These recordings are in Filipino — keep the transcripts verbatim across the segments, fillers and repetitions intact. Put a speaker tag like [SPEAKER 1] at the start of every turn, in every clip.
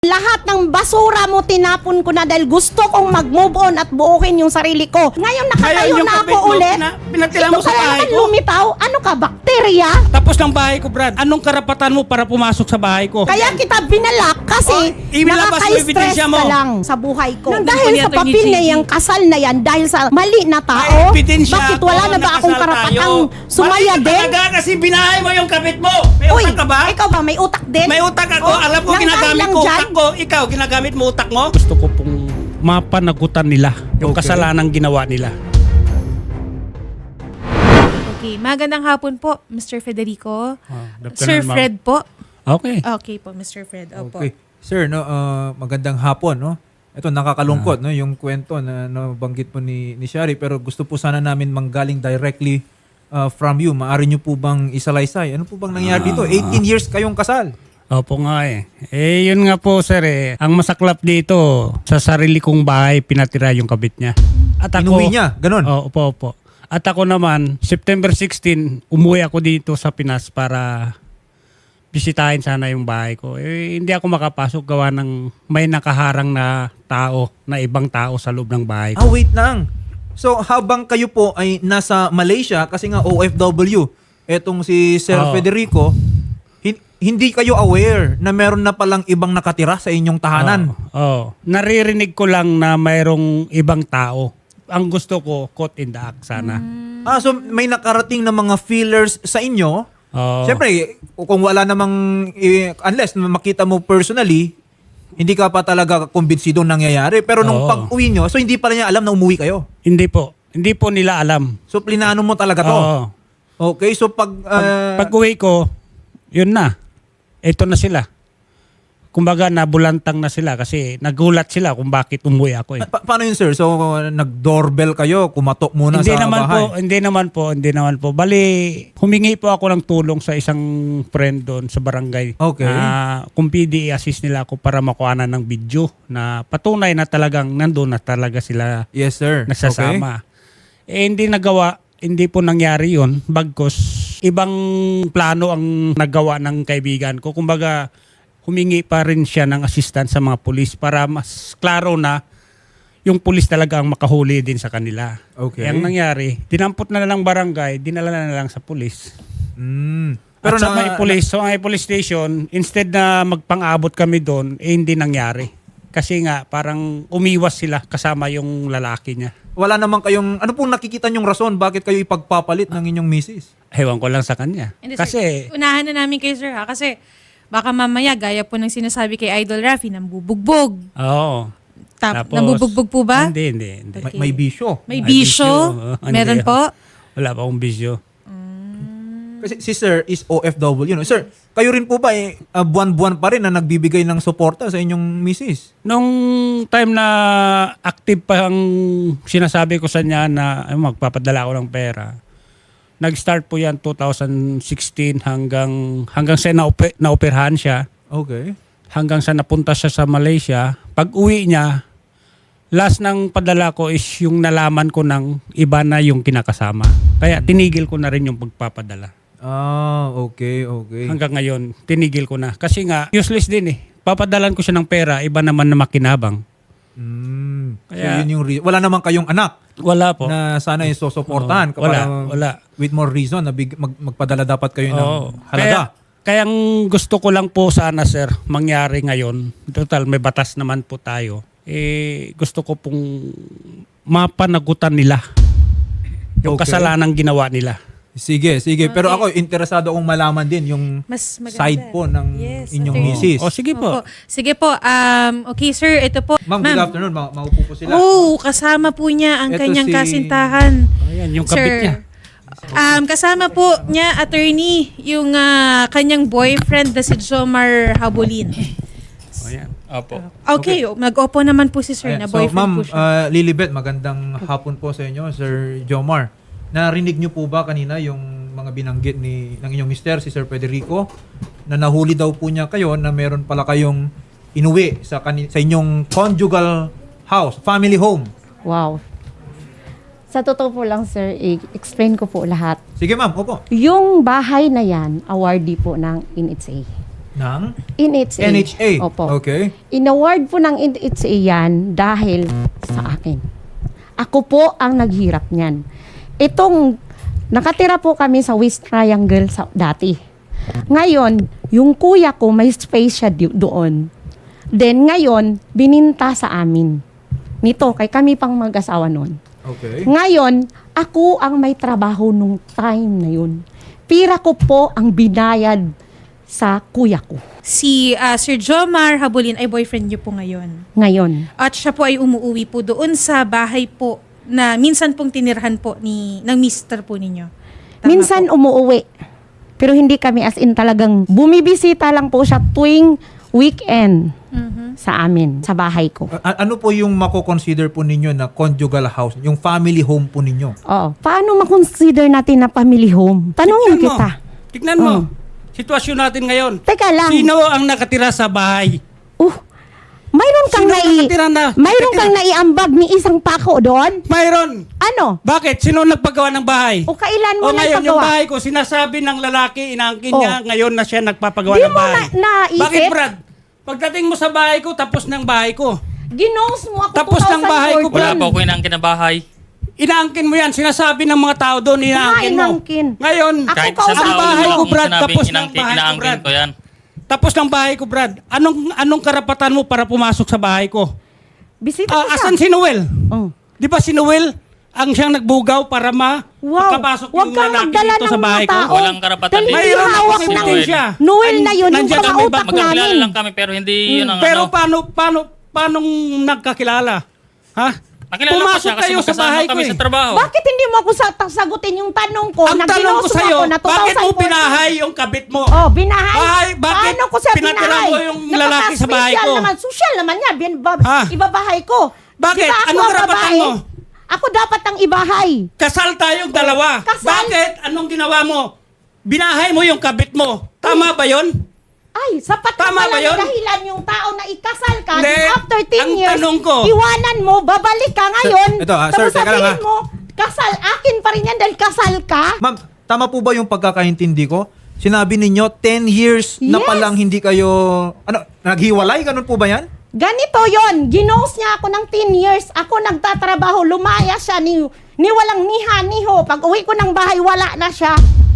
[SPEAKER 1] Lahat ng basura mo tinapon ko na dahil gusto kong mag-move on at buukin yung sarili ko. Ngayon nakatayo
[SPEAKER 2] Ngayon, yung
[SPEAKER 1] na ako
[SPEAKER 2] kapit mo,
[SPEAKER 1] ulit.
[SPEAKER 2] pina- pinatila
[SPEAKER 1] Ito
[SPEAKER 2] mo sa
[SPEAKER 1] kaya
[SPEAKER 2] bahay
[SPEAKER 1] naman
[SPEAKER 2] ko.
[SPEAKER 1] lumitaw? Ano ka, bakterya?
[SPEAKER 2] Tapos ng bahay ko, Brad. Anong karapatan mo para pumasok sa bahay ko?
[SPEAKER 1] Kaya kita binalak kasi
[SPEAKER 2] Oh, ibilabas mo yung
[SPEAKER 1] nakaka-stress
[SPEAKER 2] ebidensya mo.
[SPEAKER 1] ka lang sa buhay ko.
[SPEAKER 3] Nandun
[SPEAKER 1] Dahil
[SPEAKER 3] po ni
[SPEAKER 1] sa
[SPEAKER 3] Atty.
[SPEAKER 1] papel na
[SPEAKER 3] J J.
[SPEAKER 1] yan, kasal na yan, dahil sa mali na tao,
[SPEAKER 2] May ebidensya
[SPEAKER 1] bakit
[SPEAKER 2] ako,
[SPEAKER 1] wala na ba akong
[SPEAKER 2] nakasal
[SPEAKER 1] karapatang
[SPEAKER 2] tayo.
[SPEAKER 1] sumaya
[SPEAKER 2] Mali ka
[SPEAKER 1] din?
[SPEAKER 2] talaga kasi binahay mo yung kapit mo. May
[SPEAKER 1] Uy,
[SPEAKER 2] utak ka ba?
[SPEAKER 1] ikaw ba may utak din?
[SPEAKER 2] May utak ako.
[SPEAKER 1] Oh,
[SPEAKER 2] Alam ko,
[SPEAKER 1] nang
[SPEAKER 2] ginagamit
[SPEAKER 1] dahil lang
[SPEAKER 2] ko
[SPEAKER 1] dyan,
[SPEAKER 2] utak ko. Ikaw, ginagamit mo utak mo? Gusto ko pong mapanagutan nila yung
[SPEAKER 4] Okay.
[SPEAKER 2] kasalanang ginawa nila.
[SPEAKER 3] Okay, magandang hapon po, Mister Federico.
[SPEAKER 2] Oh, good
[SPEAKER 3] Sir
[SPEAKER 2] afternoon, ma'am.
[SPEAKER 3] Fred po.
[SPEAKER 2] Okay.
[SPEAKER 3] Okay po, Mister Fred. Opo.
[SPEAKER 4] Okay. Sir, no, uh, magandang hapon, no? Ito nakakalungkot, no, yung kwento na nabanggit po ni ni Shari, pero gusto po sana namin manggaling directly uh, from you. Maari niyo po bang isalaysay? Ano po bang nangyari dito? eighteen years kayong kasal.
[SPEAKER 2] Opo nga eh. Eh, yun nga po, sir eh. Ang masaklap dito, sa sarili kong bahay, pinatira yung kabit niya. At ako,
[SPEAKER 4] Inuwi niya, ganun.
[SPEAKER 2] Oo, opo, opo. At ako naman, September sixteenth, umuwi ako dito sa Pinas para bisitahin sana yung bahay ko. Eh, hindi ako makapasok gawa ng may nakaharang na tao, na ibang tao sa loob ng bahay ko.
[SPEAKER 4] Ah, wait lang. So, habang kayo po ay nasa Malaysia, kasi nga O F W, etong si Sir
[SPEAKER 2] Oo.
[SPEAKER 4] Federico, hin- hindi kayo aware na meron na palang ibang nakatira sa inyong tahanan.
[SPEAKER 2] Oo. Oo. Naririnig ko lang na mayroong ibang tao. Ang gusto ko, caught in the act sana.
[SPEAKER 4] Ah, so may nakarating na mga feelers sa inyo.
[SPEAKER 2] Oo.
[SPEAKER 4] Siyempre, kung wala namang, eh, unless makita mo personally, hindi ka pa talaga kumbinsidong nangyayari. Pero nung
[SPEAKER 2] Oo.
[SPEAKER 4] pag-uwi nyo, so hindi pala niya alam na umuwi kayo.
[SPEAKER 2] Hindi po. Hindi po nila alam.
[SPEAKER 4] So plinano mo talaga to.
[SPEAKER 2] Oo.
[SPEAKER 4] Okay, so pag... ah,
[SPEAKER 2] Pag uwi ko, yun na. Ito na sila. Kumbaga, nabulantang na sila kasi nagulat sila kung bakit umuwi ako eh.
[SPEAKER 4] pa- paano yun, sir? So, nag-doorbell kayo, kumatok muna
[SPEAKER 2] Hindi
[SPEAKER 4] sa
[SPEAKER 2] naman
[SPEAKER 4] bahay.
[SPEAKER 2] po, hindi naman po, hindi naman po. Bali, humingi po ako ng tulong sa isang friend doon sa barangay.
[SPEAKER 4] Okay.
[SPEAKER 2] Na kung pwede i-assist nila ako para makuhanan ng video na patunay na talagang nandun na talaga sila
[SPEAKER 4] Yes, sir.
[SPEAKER 2] nasasama. Eh, hindi nagawa, hindi po nangyari yun. Bagkos, ibang plano ang nagawa ng kaibigan ko. Kumbaga, humingi pa rin siya ng assistance sa mga pulis para mas klaro na yung pulis talaga ang makahuli din sa kanila.
[SPEAKER 4] Okay.
[SPEAKER 2] Ang nangyari, dinampot na lang barangay, dinala na lang sa pulis.
[SPEAKER 4] Okay. Mm.
[SPEAKER 2] Pero At sa
[SPEAKER 4] na-
[SPEAKER 2] may police, sa may police station, instead na magpang-abot kami doon, eh hindi nangyari. Kasi nga, parang umiwas sila kasama yung lalaki niya.
[SPEAKER 4] wala naman kayong... Ano pong nakikita nyong rason? Bakit kayo ipagpapalit ng inyong misis?
[SPEAKER 2] Ewan ko lang sa kanya.
[SPEAKER 3] Hindi,
[SPEAKER 2] Kasi,
[SPEAKER 3] sir, unahan na namin kayo, sir, ha? Kasi baka mamaya, gaya po ng sinasabi kay Idol Rafi, nambubugbog.
[SPEAKER 2] oo.
[SPEAKER 3] Tap,
[SPEAKER 2] Tapos-
[SPEAKER 3] nambubugbog po ba?
[SPEAKER 2] Hindi, hindi. hindi.
[SPEAKER 4] May, may bisyo.
[SPEAKER 3] May
[SPEAKER 2] May
[SPEAKER 3] bisyo?
[SPEAKER 2] bisyo. Hindi.
[SPEAKER 3] Meron po?
[SPEAKER 2] Wala pa akong bisyo.
[SPEAKER 4] Kasi si sir is O F W. No? Sir, kayo rin po ba eh, ah, buwan-buwan pa rin na nagbibigay ng suporta sa inyong misis?
[SPEAKER 2] Nung time na active pa ang sinasabi ko sa niya na ay, magpapadala ako ng pera, nag-start po yan two thousand sixteen hanggang hanggang sa naupe, naoperahan siya,
[SPEAKER 4] Okay.
[SPEAKER 2] hanggang sa napunta siya sa Malaysia. Pag uwi niya, last ng padala ko is yung nalaman ko ng iba na yung kinakasama. Kaya tinigil ko na rin yung pagpapadala.
[SPEAKER 4] Ah, okay, okay.
[SPEAKER 2] Hanggang ngayon, tinigil ko na. Kasi nga, useless din eh. Papadalan ko siya ng pera, iba naman na makinabang.
[SPEAKER 4] Mm. So
[SPEAKER 2] Kaya-
[SPEAKER 4] yun yung re- wala naman kayong anak
[SPEAKER 2] Wala po.
[SPEAKER 4] na sana yung susuportahan.
[SPEAKER 2] Oo, wala,
[SPEAKER 4] Kapag-
[SPEAKER 2] wala.
[SPEAKER 4] With more reason na big, mag- magpadala dapat kayo ng
[SPEAKER 2] Oo.
[SPEAKER 4] halaga.
[SPEAKER 2] Kaya, kaya ang gusto ko lang po sana, sir, mangyari ngayon, total may batas naman po tayo, eh gusto ko pong mapanagutan nila yung
[SPEAKER 4] Okay.
[SPEAKER 2] kasalanang ginawa nila.
[SPEAKER 4] Sige, sige. Pero
[SPEAKER 3] Okay.
[SPEAKER 4] ako, interesado akong malaman din yung
[SPEAKER 3] Mas maganda.
[SPEAKER 4] side po ng
[SPEAKER 3] Yes,
[SPEAKER 4] inyong
[SPEAKER 3] okay.
[SPEAKER 4] misis.
[SPEAKER 2] O sige po.
[SPEAKER 3] Opo. Sige po. Um, okay, sir. Ito po.
[SPEAKER 4] Ma'am, good afternoon. Ma- maupo po sila.
[SPEAKER 3] Oh, kasama po niya ang
[SPEAKER 4] Ito
[SPEAKER 3] kanyang
[SPEAKER 4] si-
[SPEAKER 3] kasintahan.
[SPEAKER 2] Ayan, yung kabit niya.
[SPEAKER 3] Um, kasama po niya, attorney, yung ah, kanyang boyfriend na si Jomar Habulin.
[SPEAKER 2] Ayan. Opo.
[SPEAKER 3] Okay, mag-opo naman po si sir
[SPEAKER 4] Ayan.
[SPEAKER 3] na
[SPEAKER 4] So,
[SPEAKER 3] boyfriend
[SPEAKER 4] ma'am,
[SPEAKER 3] po siya.
[SPEAKER 4] uh, Lilibet, magandang hapon po sa inyo, Sir Jomar. Narinig niyo po ba kanina yung mga binanggit ni ng inyong mister, si Sir Federico, na nahuli daw po niya kayo na meron pala kayong inuwi sa, kani- sa inyong conjugal house, family home.
[SPEAKER 1] Wow. Sa totoo po lang, sir, i-explain ko po lahat.
[SPEAKER 4] Sige ma'am, opo.
[SPEAKER 1] Yung bahay na yan, awardee po ng N H A.
[SPEAKER 4] Ng
[SPEAKER 1] N H A.
[SPEAKER 4] N H A.
[SPEAKER 1] Opo.
[SPEAKER 4] Okay.
[SPEAKER 1] In-award po ng N H A yan dahil sa akin. Ako po ang naghirap niyan. Itong, nakatira po kami sa West Triangle sa, dati. Ngayon, yung kuya ko may space siya di- doon. Then ngayon, bininta sa amin. Nito, kay kami pang mag-asawa noon.
[SPEAKER 4] Okay.
[SPEAKER 1] Ngayon, ako ang may trabaho nung time na yun. Pira ko po ang binayad sa kuya ko.
[SPEAKER 3] Si ah, Sir Jomar Habulin ay boyfriend niyo po ngayon.
[SPEAKER 1] Ngayon.
[SPEAKER 3] At siya po ay umuwi po doon sa bahay po na minsan pong tinirhan po ni ng mister po ninyo. Tama
[SPEAKER 1] Minsan
[SPEAKER 3] po.
[SPEAKER 1] umuuwi. Pero hindi kami as in talagang bumibisita lang po siya tuwing weekend
[SPEAKER 3] Mhm.
[SPEAKER 1] sa amin, sa bahay ko.
[SPEAKER 4] A- ano po yung mako-consider po ninyo na conjugal house, yung family home po ninyo?
[SPEAKER 1] Oo. Paano makonsider natin na family home? Tanungin
[SPEAKER 2] Tignan mo.
[SPEAKER 1] kita.
[SPEAKER 2] Tignan mo.
[SPEAKER 1] Oh.
[SPEAKER 2] Sitwasyon natin ngayon.
[SPEAKER 1] Teka lang.
[SPEAKER 2] Sino ang nakatira sa bahay?
[SPEAKER 1] Uh, mayroon kang
[SPEAKER 2] Sino
[SPEAKER 1] nai...
[SPEAKER 2] nakatira na?
[SPEAKER 1] Mayroon
[SPEAKER 2] nakatira?
[SPEAKER 1] kang naiambag ni isang pako doon?
[SPEAKER 2] Mayroon.
[SPEAKER 1] Ano?
[SPEAKER 2] Bakit? Sino nagpagawa ng bahay?
[SPEAKER 1] O kailan mo
[SPEAKER 2] O ngayon, yung
[SPEAKER 1] nagpagawa?
[SPEAKER 2] bahay ko, sinasabi ng lalaki, inaangkin
[SPEAKER 1] Oh.
[SPEAKER 2] niya, ngayon na siya nagpapagawa
[SPEAKER 1] Di
[SPEAKER 2] ng
[SPEAKER 1] mo
[SPEAKER 2] bahay.
[SPEAKER 1] na- naisip?
[SPEAKER 2] Bakit, Brad? Pagdating mo sa bahay ko, tapos ng bahay ko.
[SPEAKER 1] Ginose mo ako
[SPEAKER 2] Tapos ng bahay ko,
[SPEAKER 1] twenty fourteen.
[SPEAKER 5] Wala po ako inangkin na bahay.
[SPEAKER 2] Inaangkin mo yan. Sinasabi ng mga tao doon, inaangkin mo.
[SPEAKER 1] inaangkin.
[SPEAKER 2] Ngayon,
[SPEAKER 1] Ako
[SPEAKER 5] Kahit
[SPEAKER 1] kausap
[SPEAKER 5] isang
[SPEAKER 2] ang
[SPEAKER 5] tao
[SPEAKER 2] bahay
[SPEAKER 5] lang
[SPEAKER 2] ko,
[SPEAKER 5] yung
[SPEAKER 2] Brad,
[SPEAKER 5] sinabing
[SPEAKER 2] tapos ng
[SPEAKER 5] inangkin,
[SPEAKER 2] bahay ko,
[SPEAKER 5] inaangkin
[SPEAKER 2] Brad.
[SPEAKER 5] ko yan.
[SPEAKER 2] Tapos ng bahay ko, Brad. Anong anong karapatan mo para pumasok sa bahay ko?
[SPEAKER 1] Bisita
[SPEAKER 2] Ah,
[SPEAKER 1] ko siya.
[SPEAKER 2] asan si Noel?
[SPEAKER 1] Oh.
[SPEAKER 2] Di ba si Noel ang siyang nagbugaw para ma
[SPEAKER 1] Wow.
[SPEAKER 2] makapasok
[SPEAKER 1] Huwag
[SPEAKER 2] yung
[SPEAKER 1] kang
[SPEAKER 2] lalaki
[SPEAKER 1] magdala
[SPEAKER 2] dito
[SPEAKER 1] ng
[SPEAKER 2] sa
[SPEAKER 1] mga
[SPEAKER 2] bahay ko?
[SPEAKER 1] tao.
[SPEAKER 5] Walang karapatan
[SPEAKER 1] Dahil
[SPEAKER 5] din.
[SPEAKER 1] hindi
[SPEAKER 2] Mayroon
[SPEAKER 1] hawak
[SPEAKER 2] akong
[SPEAKER 1] ng
[SPEAKER 2] ebidensya.
[SPEAKER 1] Noel na yun, yung
[SPEAKER 2] Nandiyan
[SPEAKER 1] mga
[SPEAKER 2] kami,
[SPEAKER 1] utak
[SPEAKER 5] Magkakilala
[SPEAKER 1] namin.
[SPEAKER 5] lang kami pero hindi yun ang
[SPEAKER 2] Pero
[SPEAKER 5] ano.
[SPEAKER 2] paano, paano, paano nagkakilala? Ha?
[SPEAKER 5] Nakilala ko
[SPEAKER 2] Pumasok
[SPEAKER 5] siya kasi
[SPEAKER 2] kayo sa
[SPEAKER 5] magkasama
[SPEAKER 2] bahay ko
[SPEAKER 5] kami
[SPEAKER 2] eh.
[SPEAKER 5] sa trabaho.
[SPEAKER 1] Bakit hindi mo ako sa- sagutin yung tanong ko?
[SPEAKER 2] Ang
[SPEAKER 1] na
[SPEAKER 2] tanong ko
[SPEAKER 1] ginuso
[SPEAKER 2] sa'yo,
[SPEAKER 1] ako na
[SPEAKER 2] bakit mo
[SPEAKER 1] twenty fourteen?
[SPEAKER 2] pinahay yung kabit mo?
[SPEAKER 1] Oh, binahay?
[SPEAKER 2] Bahay, bakit
[SPEAKER 1] Paano ko siya
[SPEAKER 2] pinatira
[SPEAKER 1] binahay?
[SPEAKER 2] mo yung lalaki sa bahay
[SPEAKER 1] Napaka-special
[SPEAKER 2] ko?
[SPEAKER 1] Naman. Social naman niya. Bin, ba,
[SPEAKER 2] Ha?
[SPEAKER 1] Ibabahay ko.
[SPEAKER 2] Bakit?
[SPEAKER 1] Di ba ako
[SPEAKER 2] Anong
[SPEAKER 1] ang
[SPEAKER 2] karapatan
[SPEAKER 1] babae?
[SPEAKER 2] mo?
[SPEAKER 1] Ako dapat ang ibahay.
[SPEAKER 2] Kasal tayong dalawa.
[SPEAKER 1] Kasal?
[SPEAKER 2] Bakit? Anong ginawa mo? Binahay mo yung kabit mo. Tama ba yon?
[SPEAKER 1] Ay, sapat
[SPEAKER 2] Tama
[SPEAKER 1] na
[SPEAKER 2] ba
[SPEAKER 1] pala
[SPEAKER 2] yun?
[SPEAKER 1] dahilan yung tao na ikasal ka.
[SPEAKER 2] Hindi.
[SPEAKER 1] Then after ten
[SPEAKER 2] Ang
[SPEAKER 1] years,
[SPEAKER 2] tanong ko-
[SPEAKER 1] iwanan mo, babalik ka ngayon.
[SPEAKER 4] ito, ah, sir,
[SPEAKER 1] tapos
[SPEAKER 4] teka lang,
[SPEAKER 1] sabihin
[SPEAKER 4] ah.
[SPEAKER 1] mo, kasal, akin pa rin yan dahil kasal ka.
[SPEAKER 4] Ma'am, tama po ba yung pagkakaintindi ko? Sinabi ninyo, ten years na
[SPEAKER 1] Yes.
[SPEAKER 4] palang hindi kayo, ano, naghiwalay? Ganun po ba yan?
[SPEAKER 1] Ganito yon, ginos niya ako ng ten years. Ako nagtatrabaho, lumaya siya ni, ni walang niha, niho. Pag uwi ko ng bahay, wala na siya.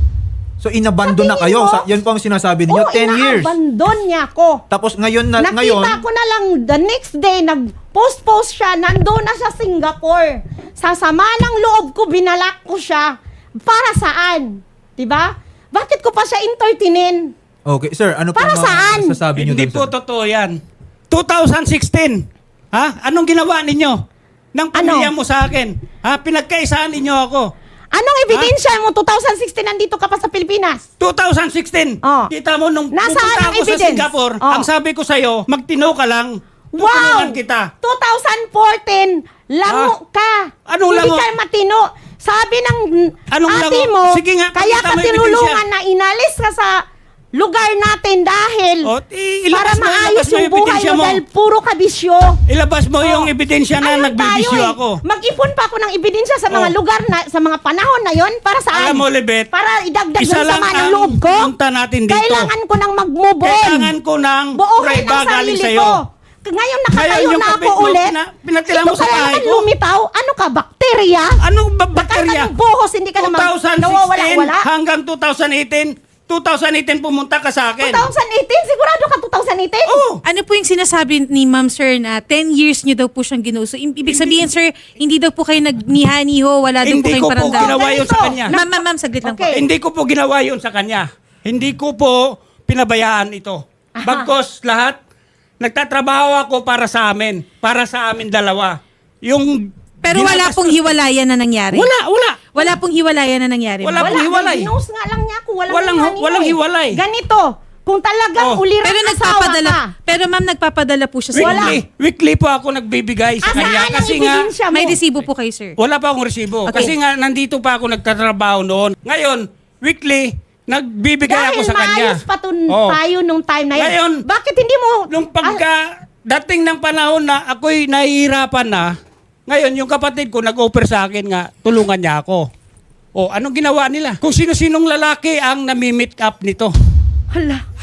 [SPEAKER 4] So, inabandon na
[SPEAKER 1] Sa
[SPEAKER 4] kayo?
[SPEAKER 1] tingin mo?
[SPEAKER 4] Sa, yan po ang sinasabi ninyo,
[SPEAKER 1] Oo,
[SPEAKER 4] ten years.
[SPEAKER 1] inaabandon niya ako.
[SPEAKER 4] Tapos ngayon, na,
[SPEAKER 1] Nakita
[SPEAKER 4] ngayon,
[SPEAKER 1] ko na lang the next day, nag-post-post siya, nandoon na siya Singapore. Sa sama ng loob ko, binalak ko siya. Para saan? Diba? Bakit ko pa siya entertainin?
[SPEAKER 4] okay, sir, ano
[SPEAKER 1] Para
[SPEAKER 4] po
[SPEAKER 1] saan?
[SPEAKER 4] masasabi niyo
[SPEAKER 2] Hindi
[SPEAKER 4] doon,
[SPEAKER 2] po
[SPEAKER 4] sir?
[SPEAKER 2] totoo yan. twenty sixteen. Ha? Anong ginawa ninyo? Nang pamilya
[SPEAKER 1] Ano?
[SPEAKER 2] mo sa akin? Ha? Pinagkaisaan ninyo ako.
[SPEAKER 1] Anong ebidensya mo? twenty sixteen nandito ka pa sa Pilipinas.
[SPEAKER 2] twenty sixteen.
[SPEAKER 1] Oh.
[SPEAKER 2] Kita mo nung
[SPEAKER 1] Nasaan
[SPEAKER 2] pupunta
[SPEAKER 1] ang
[SPEAKER 2] ako sa
[SPEAKER 1] evidence?
[SPEAKER 2] Singapore,
[SPEAKER 1] Oh.
[SPEAKER 2] ang sabi ko sa'yo, magtino ka lang.
[SPEAKER 1] Wow!
[SPEAKER 2] Tutulungan kita.
[SPEAKER 1] twenty fourteen, lango ka.
[SPEAKER 2] Anong
[SPEAKER 1] Hindi
[SPEAKER 2] lango?
[SPEAKER 1] ka matino. Sabi ng
[SPEAKER 2] Anong
[SPEAKER 1] ate
[SPEAKER 2] lango?
[SPEAKER 1] mo,
[SPEAKER 2] Sige nga,
[SPEAKER 1] kaya
[SPEAKER 2] pakita
[SPEAKER 1] ka
[SPEAKER 2] mo yung
[SPEAKER 1] tinulungan na inalis ka sa lugar natin dahil
[SPEAKER 2] O, i-
[SPEAKER 1] para
[SPEAKER 2] ilabas mo,
[SPEAKER 1] maayos
[SPEAKER 2] ilabas mo
[SPEAKER 1] yung
[SPEAKER 2] yung
[SPEAKER 1] buhay
[SPEAKER 2] ebidensya
[SPEAKER 1] mo
[SPEAKER 2] mo.
[SPEAKER 1] dahil puro ka bisyo.
[SPEAKER 2] Ilabas mo yung
[SPEAKER 1] Oh.
[SPEAKER 2] ebidensya na
[SPEAKER 1] Ayun
[SPEAKER 2] nagbibisyo
[SPEAKER 1] tayo eh.
[SPEAKER 2] ako.
[SPEAKER 1] Mag-ipon pa ako ng ebidensya sa mga
[SPEAKER 2] Oh.
[SPEAKER 1] lugar na, sa mga panahon na yon para saan?
[SPEAKER 2] Alam mo, Libet,
[SPEAKER 1] Para idagdag
[SPEAKER 2] isa
[SPEAKER 1] yung
[SPEAKER 2] lang
[SPEAKER 1] sama ng
[SPEAKER 2] ang
[SPEAKER 1] loob ko.
[SPEAKER 2] punta natin dito.
[SPEAKER 1] Kailangan ko nang mag-move on.
[SPEAKER 2] Kailangan ko ng
[SPEAKER 1] Buuhin
[SPEAKER 2] prueba
[SPEAKER 1] ang
[SPEAKER 2] galing
[SPEAKER 1] sarili
[SPEAKER 2] sa'yo.
[SPEAKER 1] ko. Ngayon nakatayo
[SPEAKER 2] Ngayon, yung
[SPEAKER 1] na
[SPEAKER 2] kapit
[SPEAKER 1] ako
[SPEAKER 2] mo,
[SPEAKER 1] ulit.
[SPEAKER 2] pina- pinatira
[SPEAKER 1] Ito
[SPEAKER 2] mo sa
[SPEAKER 1] kaya
[SPEAKER 2] bahay
[SPEAKER 1] naman
[SPEAKER 2] ko.
[SPEAKER 1] lumitaw. Ano ka, bakterya?
[SPEAKER 2] Anong ba-
[SPEAKER 1] Bakal ka
[SPEAKER 2] bakterya?
[SPEAKER 1] ng buhos, hindi ka naman
[SPEAKER 2] twenty sixteen
[SPEAKER 1] nawawala-wala.
[SPEAKER 2] hanggang twenty eighteen. twenty eighteen pumunta ka sa akin.
[SPEAKER 1] twenty eighteen? Sigurado ka twenty eighteen?
[SPEAKER 2] Oo.
[SPEAKER 3] Ano po yung sinasabi ni Ma'am Sir na ten years niyo daw po siyang ginuso? I- Ibig sabihin, Sir, hindi daw po kayo nagniha-niho, wala daw po
[SPEAKER 2] Hindi
[SPEAKER 3] kayong
[SPEAKER 2] ko po
[SPEAKER 3] paramdam.
[SPEAKER 2] ginawa yun sa kanya.
[SPEAKER 3] Ma'am, ma'am, ma'am, saglit lang po.
[SPEAKER 1] Okay.
[SPEAKER 2] Hindi ko po ginawa yun sa kanya. Hindi ko po pinabayaan ito.
[SPEAKER 1] Aha.
[SPEAKER 2] Bagkos lahat, nagtatrabaho ako para sa amin. Para sa amin dalawa. Yung
[SPEAKER 3] Pero wala
[SPEAKER 2] ginagastos-
[SPEAKER 3] pong hiwalayan na nangyari.
[SPEAKER 2] Wala, wala.
[SPEAKER 3] Wala pong hiwalayan na nangyari.
[SPEAKER 2] Wala
[SPEAKER 3] ma'am.
[SPEAKER 2] pong hiwalay.
[SPEAKER 1] Ginos nga lang niya ako. Walang,
[SPEAKER 2] Walang-
[SPEAKER 1] hiwalay.
[SPEAKER 2] walang hiwalay.
[SPEAKER 1] Ganito, kung talagang
[SPEAKER 2] Oh.
[SPEAKER 1] ulirang
[SPEAKER 3] Pero
[SPEAKER 1] asawa
[SPEAKER 3] nagpapadala,
[SPEAKER 1] ka,
[SPEAKER 3] pero ma'am, nagpapadala po siya sa
[SPEAKER 1] Wala.
[SPEAKER 2] Weekly, weekly po ako nagbibigay sa
[SPEAKER 1] asaan
[SPEAKER 2] kanya.
[SPEAKER 1] ang
[SPEAKER 2] Kasi nga,
[SPEAKER 1] ebidensya mo?
[SPEAKER 3] May resibo po kayo, sir.
[SPEAKER 2] wala pa akong resibo.
[SPEAKER 3] Okay.
[SPEAKER 2] Kasi nga, nandito pa ako nagtatrabaho noon. Ngayon, weekly, nagbibigay
[SPEAKER 1] Dahil
[SPEAKER 2] ako sa kanya.
[SPEAKER 1] maayos pa tun-
[SPEAKER 2] Oh.
[SPEAKER 1] tayo nung time na yun.
[SPEAKER 2] Ngayon,
[SPEAKER 1] bakit hindi mo...
[SPEAKER 2] Nung pagka dating ng panahon na ako'y nahihirapan na, ngayon yung kapatid ko nag-offer sa akin nga, tulungan niya ako. O, anong ginawa nila? Kung sino-sinong lalaki ang nami-meet up nito.
[SPEAKER 1] Hala,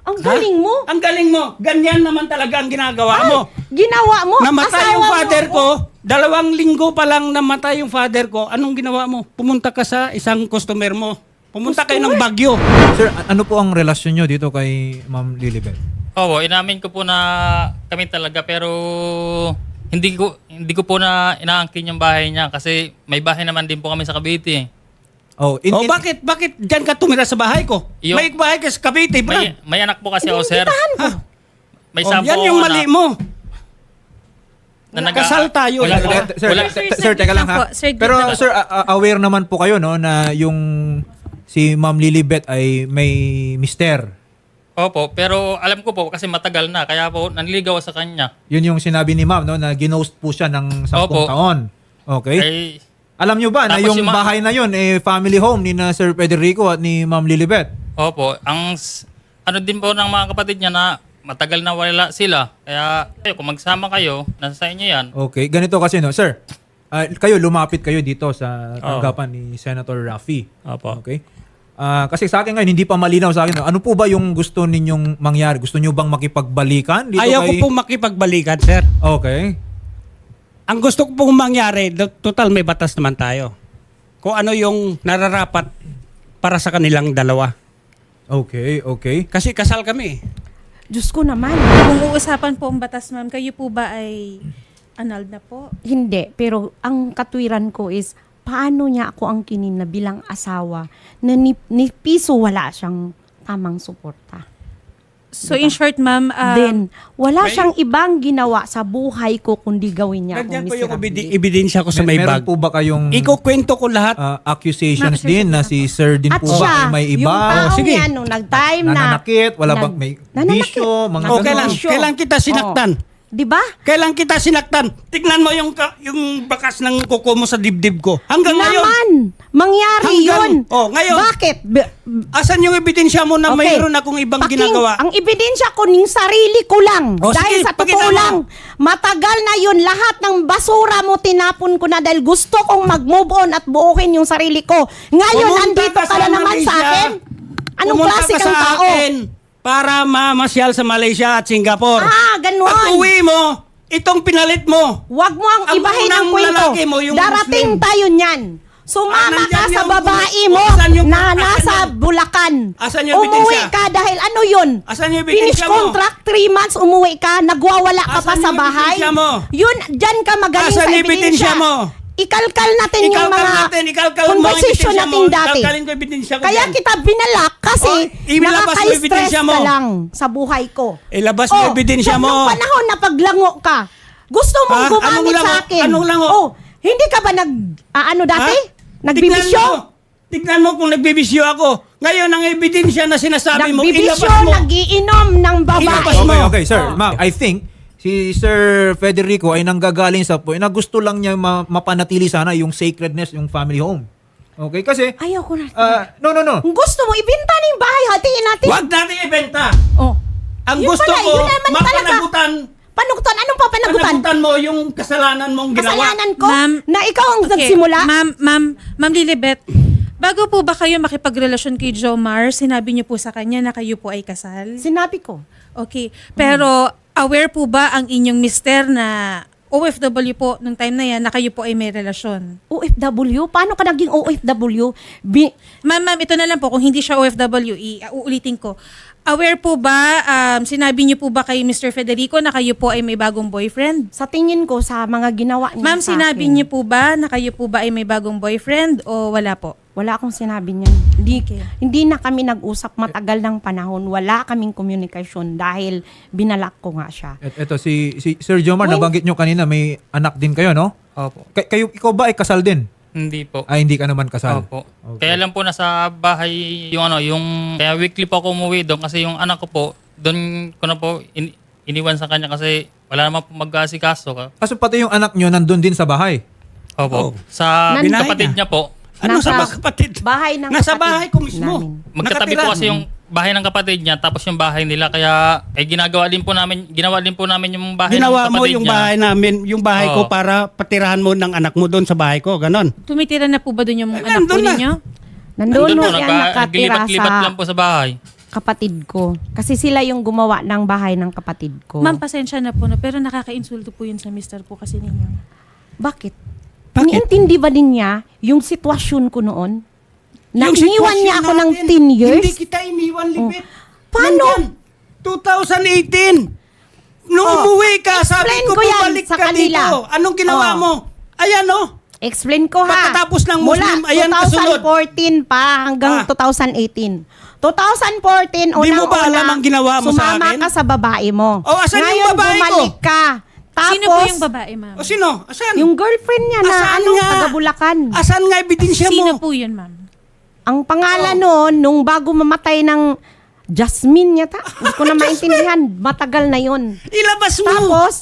[SPEAKER 1] Ang galing mo.
[SPEAKER 2] Ang galing mo. Ganyan naman talaga ang ginagawa mo.
[SPEAKER 1] Ginawa mo.
[SPEAKER 2] Namatay
[SPEAKER 1] asawa
[SPEAKER 2] yung
[SPEAKER 1] mo
[SPEAKER 2] father
[SPEAKER 1] ako.
[SPEAKER 2] ko. Dalawang linggo pa lang namatay yung father ko. Anong ginawa mo? Pumunta ka sa isang customer mo. Pumunta kayo ng Bagyo.
[SPEAKER 4] Sir, a- ano po ang relasyon nyo dito kay Ma'am Lilibet?
[SPEAKER 5] Oo, inamin ko po na kami talaga pero hindi ko hindi ko po na inaangkin yung bahay niya kasi may bahay naman din po kami sa Cavite.
[SPEAKER 4] Oh, in,
[SPEAKER 2] O
[SPEAKER 4] in-
[SPEAKER 2] bakit? Bakit dyan ka tumira sa bahay ko?
[SPEAKER 5] Yung-
[SPEAKER 2] May bahay ka sa Cavite, bro.
[SPEAKER 5] May, may anak po kasi ako, sir.
[SPEAKER 2] Ha?
[SPEAKER 5] May
[SPEAKER 2] Oh,
[SPEAKER 5] sampo
[SPEAKER 2] yan yung
[SPEAKER 5] akong
[SPEAKER 2] mali
[SPEAKER 5] anak
[SPEAKER 2] mo.
[SPEAKER 5] na nag-
[SPEAKER 2] Kasal tayo.
[SPEAKER 5] Wala,
[SPEAKER 4] Sir,
[SPEAKER 5] wala,
[SPEAKER 4] sir,
[SPEAKER 5] wala.
[SPEAKER 4] sir,
[SPEAKER 3] Sir,
[SPEAKER 4] sir, teka lang
[SPEAKER 3] lang
[SPEAKER 4] ha.
[SPEAKER 3] po. Sir,
[SPEAKER 4] Pero
[SPEAKER 3] lang.
[SPEAKER 4] sir, a- a- aware naman po kayo no na yung si Ma'am Lilibet ay may mister.
[SPEAKER 5] Opo, pero alam ko po kasi matagal na kaya po nanligaw sa kanya.
[SPEAKER 4] Yun yung sinabi ni Ma'am no na ginost po siya ng sampung
[SPEAKER 5] Opo.
[SPEAKER 4] taon. Okay?
[SPEAKER 5] Ay,
[SPEAKER 4] Alam nyo ba na
[SPEAKER 5] Tapos
[SPEAKER 4] yung
[SPEAKER 5] si Ma-
[SPEAKER 4] bahay na yun eh family home ni na Sir Federico at ni Ma'am Lilibet?
[SPEAKER 5] opo, ang s- ano din po ng mga kapatid niya na matagal na wala sila. Kaya kayo, kung magsama kayo, nasa sa inyo yan.
[SPEAKER 4] Okay, ganito kasi no, sir. ah, kayo lumapit kayo dito sa tanggapan ni Senator Raffy.
[SPEAKER 2] Opo.
[SPEAKER 4] Okay? Ah, kasi sa akin ngayon hindi pa malinaw sa akin. no? Ano po ba yung gusto ninyong mangyari? Gusto niyo bang makipagbalikan dito
[SPEAKER 2] Ayaw
[SPEAKER 4] kay
[SPEAKER 2] ko pong makipagbalikan, sir.
[SPEAKER 4] Okay.
[SPEAKER 2] Ang gusto ko pong mangyari, do- total may batas naman tayo. Kung ano yung nararapat para sa kanilang dalawa.
[SPEAKER 4] Okay, okay.
[SPEAKER 2] Kasi kasal kami.
[SPEAKER 1] Diyos ko naman.
[SPEAKER 3] Kung uusapan po ang batas, ma'am, kayo po ba ay annulled na po?
[SPEAKER 1] Hindi, pero ang katwiran ko is, paano niya ako ang kinin na bilang asawa na ni, ni piso wala siyang tamang suporta.
[SPEAKER 3] So in short, ma'am, uh,
[SPEAKER 1] Then, wala
[SPEAKER 2] may-
[SPEAKER 1] siyang ibang ginawa sa buhay ko kundi gawin niya
[SPEAKER 2] Nandiyan
[SPEAKER 1] akong
[SPEAKER 2] po yung
[SPEAKER 1] miserable.
[SPEAKER 2] ebidi- ebidensya ko sa
[SPEAKER 4] Mer-
[SPEAKER 2] may
[SPEAKER 4] meron
[SPEAKER 2] bag.
[SPEAKER 4] po ba kayong
[SPEAKER 2] Ikukwento ko lahat.
[SPEAKER 4] ah, accusations
[SPEAKER 3] Ma'am, sir,
[SPEAKER 4] din
[SPEAKER 3] sir,
[SPEAKER 4] na
[SPEAKER 3] sir.
[SPEAKER 4] si Sir din
[SPEAKER 1] At
[SPEAKER 4] po ba
[SPEAKER 1] siya,
[SPEAKER 4] ay may
[SPEAKER 1] yung
[SPEAKER 4] iba?
[SPEAKER 1] taong
[SPEAKER 2] Oh, sige.
[SPEAKER 1] yan, nung nag-time na...
[SPEAKER 4] Nananakit? Wala
[SPEAKER 1] nag-
[SPEAKER 4] bang may
[SPEAKER 1] nananakit.
[SPEAKER 4] bisyo? Mga
[SPEAKER 2] Oh,
[SPEAKER 4] ganon?
[SPEAKER 2] kailan,
[SPEAKER 1] Bisyo.
[SPEAKER 2] kailan kita sinaktan?
[SPEAKER 1] Di ba?
[SPEAKER 2] Kailan kita sinaktan? Tignan mo yung ka- yung bakas ng kuko mo sa dibdib ko. Hanggang ngayon.
[SPEAKER 1] Naman! Mangyari
[SPEAKER 2] Hanggang-
[SPEAKER 1] yun!
[SPEAKER 2] Oh, ngayon.
[SPEAKER 1] Bakit? B-
[SPEAKER 2] Asan yung ebidensya mo na
[SPEAKER 1] Okay.
[SPEAKER 2] mayroon akong ibang
[SPEAKER 1] Paking-
[SPEAKER 2] ginagawa?
[SPEAKER 1] Ang ebidensya ko ning sarili ko lang.
[SPEAKER 2] O,
[SPEAKER 1] dahil
[SPEAKER 2] sige,
[SPEAKER 1] sa
[SPEAKER 2] pakita
[SPEAKER 1] totoo
[SPEAKER 2] mo.
[SPEAKER 1] lang, matagal na yun. Lahat ng basura mo tinapon ko na dahil gusto kong mag-move on at buukin yung sarili ko. Ngayon,
[SPEAKER 2] Pumunta
[SPEAKER 1] andito
[SPEAKER 2] ka
[SPEAKER 1] ka
[SPEAKER 2] sa
[SPEAKER 1] na naman sa
[SPEAKER 2] Malaysia.
[SPEAKER 1] akin. Anong
[SPEAKER 2] Pumunta
[SPEAKER 1] klase
[SPEAKER 2] ka
[SPEAKER 1] kang
[SPEAKER 2] sa
[SPEAKER 1] tao?
[SPEAKER 2] akin para mamasyal sa Malaysia at Singapore.
[SPEAKER 1] Ah, ganun.
[SPEAKER 2] Pag uwi mo, itong pinalit mo.
[SPEAKER 1] Huwag mo ang
[SPEAKER 2] Ang
[SPEAKER 1] ibahin ang
[SPEAKER 2] unang
[SPEAKER 1] kwento.
[SPEAKER 2] lalaki mo, yung
[SPEAKER 1] Darating
[SPEAKER 2] Muslim.
[SPEAKER 1] tayo niyan. Sumama
[SPEAKER 2] Ah,
[SPEAKER 1] ka
[SPEAKER 2] nandyan
[SPEAKER 1] sa
[SPEAKER 2] yung-
[SPEAKER 1] babae
[SPEAKER 2] kung-
[SPEAKER 1] mo
[SPEAKER 2] asan yung-
[SPEAKER 1] na
[SPEAKER 2] asan
[SPEAKER 1] nasa
[SPEAKER 2] yung-
[SPEAKER 1] Bulacan.
[SPEAKER 2] asan yung
[SPEAKER 1] Umuwi
[SPEAKER 2] ebidensya?
[SPEAKER 1] ka dahil ano yun?
[SPEAKER 2] Asan yung
[SPEAKER 1] Finish
[SPEAKER 2] ebidensya mo?
[SPEAKER 1] contract, three months, umuwi ka, nagwawala ka pa
[SPEAKER 2] Asan
[SPEAKER 1] sa
[SPEAKER 2] yung
[SPEAKER 1] bahay.
[SPEAKER 2] ebidensya mo?
[SPEAKER 1] Yun, dyan ka magaling
[SPEAKER 2] Asan
[SPEAKER 1] sa
[SPEAKER 2] yung
[SPEAKER 1] ebidensya.
[SPEAKER 2] ebidensya mo?
[SPEAKER 1] Ikalkal natin yung
[SPEAKER 2] Ikalkal
[SPEAKER 1] mga
[SPEAKER 2] natin, ikalkal mo ang
[SPEAKER 1] conversation
[SPEAKER 2] ebidensya
[SPEAKER 1] natin
[SPEAKER 2] mo.
[SPEAKER 1] dati.
[SPEAKER 2] Ikalkalin ko ebidensya ko
[SPEAKER 1] Kaya
[SPEAKER 2] dyan.
[SPEAKER 1] kita binalak kasi
[SPEAKER 2] Oh, ilabas mo
[SPEAKER 1] nakaka-stress
[SPEAKER 2] ebidensya mo.
[SPEAKER 1] ka lang sa buhay ko.
[SPEAKER 2] Ilabas mo ebidensya mo.
[SPEAKER 1] Nung panahon na paglango ka, gusto mong
[SPEAKER 2] Ha?
[SPEAKER 1] gumamit
[SPEAKER 2] Anong lango?
[SPEAKER 1] sa akin.
[SPEAKER 2] Anong lango?
[SPEAKER 1] Oh, hindi ka ba nag, ah, ano dati?
[SPEAKER 2] Ha?
[SPEAKER 1] Nagbibisyo?
[SPEAKER 2] Tignan mo. Tignan mo kung nagbibisyo ako. Ngayon, ang ebidensya na sinasabi mo, ilabas
[SPEAKER 1] Nagbibisyo,
[SPEAKER 2] mo.
[SPEAKER 1] nagiinom ng babae.
[SPEAKER 2] Ilabas mo.
[SPEAKER 4] Okay, okay, sir.
[SPEAKER 1] Oh.
[SPEAKER 4] Ma'am, I think si Sir Federico ay nanggagaling sa point na gusto lang niya ma- mapanatili sana yung sacredness, yung family home. Okay, kasi
[SPEAKER 1] Ayaw ko na.
[SPEAKER 4] ah, no, no, no.
[SPEAKER 1] Kung gusto mo, ibenta na yung bahay, hatiin natin.
[SPEAKER 2] Huwag natin ibenta.
[SPEAKER 1] Oh.
[SPEAKER 2] Ang
[SPEAKER 1] Yun
[SPEAKER 2] gusto
[SPEAKER 1] pala,
[SPEAKER 2] ko,
[SPEAKER 1] yun naman talaga.
[SPEAKER 2] mapanagutan.
[SPEAKER 1] Panugutan? Anong papanagutan?
[SPEAKER 2] Panagutan mo yung kasalanan mong ginawa.
[SPEAKER 1] Kasalanan ko
[SPEAKER 3] Ma'am,
[SPEAKER 1] na ikaw ang
[SPEAKER 3] okay,
[SPEAKER 1] nagsimula?
[SPEAKER 3] Ma'am, ma'am, ma'am Lilibet, bago po ba kayo makipagrelasyon kay Jomar, sinabi niyo po sa kanya na kayo po ay kasal?
[SPEAKER 1] Sinabi ko.
[SPEAKER 3] Okay. Pero aware po ba ang inyong mister na O F W po nung time na yan na kayo po ay may relasyon?
[SPEAKER 1] O F W? Paano ka naging O F W? Bi-
[SPEAKER 3] Ma'am, ma'am, ito na lang po. Kung hindi siya O F W, i- uulitin ko. Aware po ba, um, sinabi niyo po ba kay mister Federico na kayo po ay may bagong boyfriend?
[SPEAKER 1] sa tingin ko, sa mga ginawa niya
[SPEAKER 3] Ma'am,
[SPEAKER 1] sa
[SPEAKER 3] sinabi
[SPEAKER 1] akin,
[SPEAKER 3] niyo po ba na kayo po ba ay may bagong boyfriend o wala po?
[SPEAKER 1] wala akong sinabi niyan. Hindi,
[SPEAKER 3] Okay.
[SPEAKER 1] hindi na kami nag-usap matagal ng panahon. Wala kaming komunikasyon dahil binalak ko nga siya.
[SPEAKER 4] Et, eto si, si Sir Jomar,
[SPEAKER 1] When-
[SPEAKER 4] nabanggit nyo kanina may anak din kayo, no?
[SPEAKER 5] Opo.
[SPEAKER 4] Kay- kayo ikaw ba ay kasal din?
[SPEAKER 5] Hindi po.
[SPEAKER 4] Ay, hindi ka naman kasal.
[SPEAKER 5] Opo.
[SPEAKER 4] Okay.
[SPEAKER 5] Kaya lang po nasa bahay yung ano, yung kaya weekly po ako umuwi doon kasi yung anak ko po, doon ko na po in- iniwan sa kanya kasi wala naman po mag-aasikaso ka.
[SPEAKER 4] Kaso pati yung anak nyo nandun din sa bahay.
[SPEAKER 5] Opo.
[SPEAKER 2] Oh.
[SPEAKER 5] Sa
[SPEAKER 1] Nan-
[SPEAKER 5] kapatid niya po,
[SPEAKER 2] Ano
[SPEAKER 1] Nasa
[SPEAKER 2] sa mga kapatid?
[SPEAKER 1] bahay ng
[SPEAKER 2] Nasa
[SPEAKER 1] kapatid
[SPEAKER 2] bahay ko mismo.
[SPEAKER 1] namin.
[SPEAKER 5] magkatabi
[SPEAKER 2] Nakatira.
[SPEAKER 5] po kasi yung bahay ng kapatid niya tapos yung bahay nila kaya eh ginagawa din po namin ginawa din po namin yung bahay
[SPEAKER 2] Ginawa
[SPEAKER 5] ng
[SPEAKER 2] mo
[SPEAKER 5] kapatid
[SPEAKER 2] yung
[SPEAKER 5] niya.
[SPEAKER 2] bahay namin, yung bahay ko
[SPEAKER 5] Oo.
[SPEAKER 2] para patirahan mo ng anak mo doon sa bahay ko. Ganon.
[SPEAKER 3] Tumitira na po ba doon yung
[SPEAKER 2] Ay,
[SPEAKER 3] anak po
[SPEAKER 2] nandun na.
[SPEAKER 3] ninyo?
[SPEAKER 1] Nandun
[SPEAKER 5] Nandun
[SPEAKER 1] mo
[SPEAKER 5] po,
[SPEAKER 1] yan
[SPEAKER 5] nagka-
[SPEAKER 1] nakatira
[SPEAKER 5] naglilipat-lipat
[SPEAKER 1] sa...
[SPEAKER 5] lang po sa bahay.
[SPEAKER 1] kapatid ko. Kasi sila yung gumawa ng bahay ng kapatid ko.
[SPEAKER 3] Ma'am, pasensya na po, no? Pero nakaka-insulto po yun sa mister po kasi ninyo.
[SPEAKER 1] Bakit?
[SPEAKER 2] Bakit?
[SPEAKER 1] Iniintindi ba din niya yung sitwasyon ko noon? Na
[SPEAKER 2] Yung
[SPEAKER 1] iniwan niya
[SPEAKER 2] sitwasyon
[SPEAKER 1] ako ng
[SPEAKER 2] natin,
[SPEAKER 1] ten years?
[SPEAKER 2] Hindi kita iniwan, Libet.
[SPEAKER 1] Paano?
[SPEAKER 2] Nandyan, twenty eighteen. Nung
[SPEAKER 1] Oh,
[SPEAKER 2] umuwi ka, sabi
[SPEAKER 1] explain
[SPEAKER 2] ko,
[SPEAKER 1] ko yan
[SPEAKER 2] bumalik
[SPEAKER 1] sa
[SPEAKER 2] ka
[SPEAKER 1] kanila.
[SPEAKER 2] dito. Anong ginawa
[SPEAKER 1] Oh.
[SPEAKER 2] mo? Ayan, oh.
[SPEAKER 1] Explain ko ha.
[SPEAKER 2] Pagkatapos ng Muslim,
[SPEAKER 1] Mula
[SPEAKER 2] ayan, kasunod.
[SPEAKER 1] twenty fourteen pa hanggang
[SPEAKER 2] Ah.
[SPEAKER 1] twenty eighteen. twenty fourteen,
[SPEAKER 2] Di mo ba
[SPEAKER 1] unang-una,
[SPEAKER 2] alam ang ginawa mo sa
[SPEAKER 1] sumama
[SPEAKER 2] akin?
[SPEAKER 1] ka sa babae mo.
[SPEAKER 2] Oh, asan yung
[SPEAKER 1] Ngayon,
[SPEAKER 2] babae ko?
[SPEAKER 1] bumalik ka. Tapos,
[SPEAKER 3] Sino po yung babae, ma'am?
[SPEAKER 2] O sino? Asan?
[SPEAKER 1] yung girlfriend niya na,
[SPEAKER 2] Asan
[SPEAKER 1] ano,
[SPEAKER 2] nga?
[SPEAKER 1] taga Bulacan.
[SPEAKER 2] Asan nga ebidensya mo?
[SPEAKER 3] Sino po yun, ma'am?
[SPEAKER 1] Ang
[SPEAKER 2] Oh.
[SPEAKER 1] pangalan noon, nung bago mamatay ng Jasmine yata. Hindi ko na maintindihan. Matagal na yun.
[SPEAKER 2] Ilabas mo.
[SPEAKER 1] Tapos,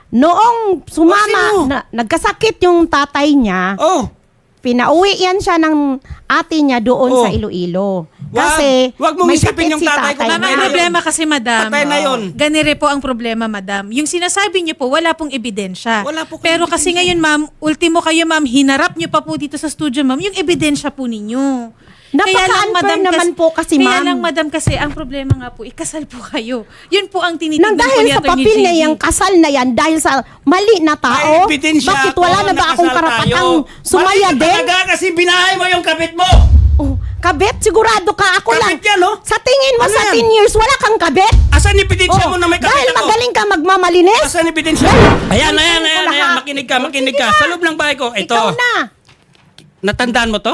[SPEAKER 1] noong
[SPEAKER 2] Oh,
[SPEAKER 1] sumama,
[SPEAKER 2] sino?
[SPEAKER 1] na, nagkasakit yung tatay niya,
[SPEAKER 2] Oh.
[SPEAKER 1] pinauwi yan siya ng ate niya doon
[SPEAKER 2] Oh.
[SPEAKER 1] sa Iloilo.
[SPEAKER 2] Wag-
[SPEAKER 1] Kasi
[SPEAKER 2] wag mong
[SPEAKER 1] may
[SPEAKER 2] isipin
[SPEAKER 1] sakit
[SPEAKER 2] yung
[SPEAKER 1] si
[SPEAKER 2] tatay ko.
[SPEAKER 1] tatay
[SPEAKER 3] Ma'am,
[SPEAKER 2] Patay
[SPEAKER 3] ang
[SPEAKER 2] na
[SPEAKER 1] niya.
[SPEAKER 3] problema kasi, madam.
[SPEAKER 2] Patay na yun.
[SPEAKER 3] Ganire po ang problema, madam. Yung sinasabi niyo po, wala pong ebidensya.
[SPEAKER 2] Wala po kayong
[SPEAKER 3] Pero kasi
[SPEAKER 2] ebidensya.
[SPEAKER 3] ngayon, ma'am, ultimo kayo, ma'am, hinarap niyo pa po dito sa studio, ma'am, yung ebidensya po ninyo.
[SPEAKER 1] Napaka-unfair naman po kasi,
[SPEAKER 3] Kaya
[SPEAKER 1] ma'am.
[SPEAKER 3] lang, madam, kasi ang problema nga po, ikasal po kayo. Yun po ang
[SPEAKER 1] Nang
[SPEAKER 3] tinitingnan po
[SPEAKER 1] dahil
[SPEAKER 3] ni
[SPEAKER 1] sa
[SPEAKER 3] Atty.
[SPEAKER 1] papel
[SPEAKER 3] J
[SPEAKER 1] na
[SPEAKER 3] D.
[SPEAKER 1] yung kasal na yan, dahil sa mali na tao,
[SPEAKER 2] May ebidensya
[SPEAKER 1] bakit
[SPEAKER 2] ako,
[SPEAKER 1] wala na ba akong
[SPEAKER 2] nakasal
[SPEAKER 1] karapatang
[SPEAKER 2] tayo.
[SPEAKER 1] sumaya
[SPEAKER 2] Mali ka
[SPEAKER 1] din?
[SPEAKER 2] talaga kasi binahay mo yung kapit mo.
[SPEAKER 1] Oh, kabet, sigurado ka. Ako lang.
[SPEAKER 2] Kabit yan, oh.
[SPEAKER 1] Sa tingin mo,
[SPEAKER 2] Ano
[SPEAKER 1] sa
[SPEAKER 2] yan?
[SPEAKER 1] ten years, wala kang kabet?
[SPEAKER 2] Asan ebidensya
[SPEAKER 1] Oh,
[SPEAKER 2] mo na may kapit
[SPEAKER 1] dahil
[SPEAKER 2] ako?
[SPEAKER 1] magaling ka magmamalinis?
[SPEAKER 2] Asan ebidensya? Ayan, ayan, ayan,
[SPEAKER 1] ko
[SPEAKER 2] ayan.
[SPEAKER 1] lahat.
[SPEAKER 2] Makinig ka,
[SPEAKER 1] Oh,
[SPEAKER 2] makinig
[SPEAKER 1] sige
[SPEAKER 2] ka.
[SPEAKER 1] na.
[SPEAKER 2] Sa loob ng bahay ko. Ito.
[SPEAKER 1] Ikaw na.
[SPEAKER 2] Natandaan mo to?